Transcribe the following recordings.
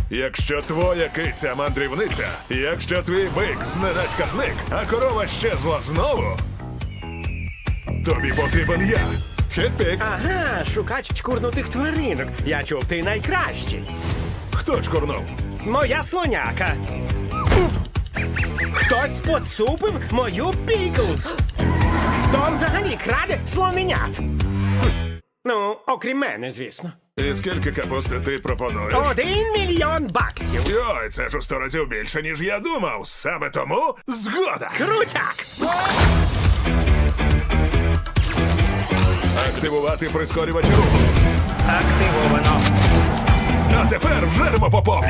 Якщо твоя киця мандрівниця, якщо твій бик зненацька зник, а корова щезла знову, тобі потрібен я. Хетпік. Ага, шукач чкурнутих тваринок. Я чув, ти найкращий. Хто чкурнув? Моя слоняка. Хтось поцупив мою Піклз. Хто взагалі краде слоненят? Ну, окрім мене, звісно. І скільки капусти ти пропонуєш? 1 мільйон баксів. Йой, це ж у 100 разів більше, ніж я думав. Саме тому згода. Крутяк! Активувати прискорювач руху. Активовано. А тепер вжеремо по повній.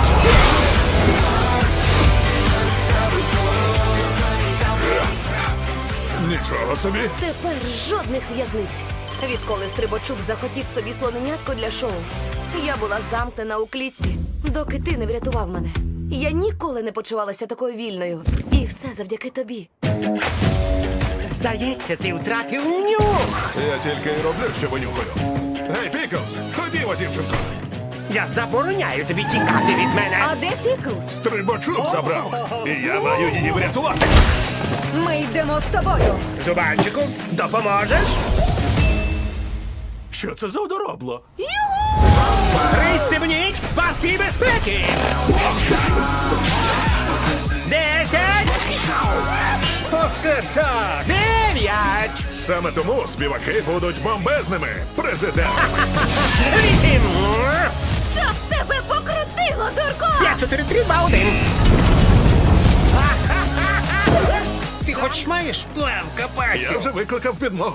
Нічого собі. Тепер жодних в'язниць. Відколи Стрибачук захотів собі слоненятко для шоу, я була замкнена у клітці, доки ти не врятував мене. Я ніколи не почувалася такою вільною. І все завдяки тобі. Здається, ти втратив нюх. Я тільки й роблю, що винюхаю. Гей, Піклз, ходімо, дівчинко. Я забороняю тобі тікати від мене. А де Піклз? Стрибачок забрав. І я маю її врятувати. Ми йдемо з тобою. Зубанчику, допоможеш? Що це за одоробло? Пристебніть паски безпеки! 10! Оце так! 9! Саме тому співаки будуть бомбезними. Президент. 8! Щоб тебе покрутило, дурко! 5, 4, 3, 2, 1! Ти хоч маєш план в Я капасі? вже викликав підмогу.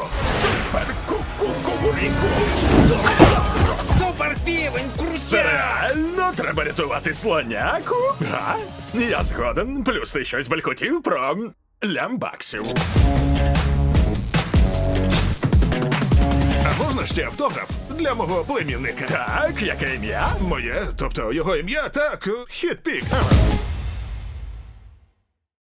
Супер півень, крутяк! Реально треба рятувати слоняку? Га? Я згоден. Плюс ти щось балькотів про лямбаксів. А можна ще автограф для мого племінника? Так, яке ім'я? Моє, тобто його ім'я, так, Хетпік.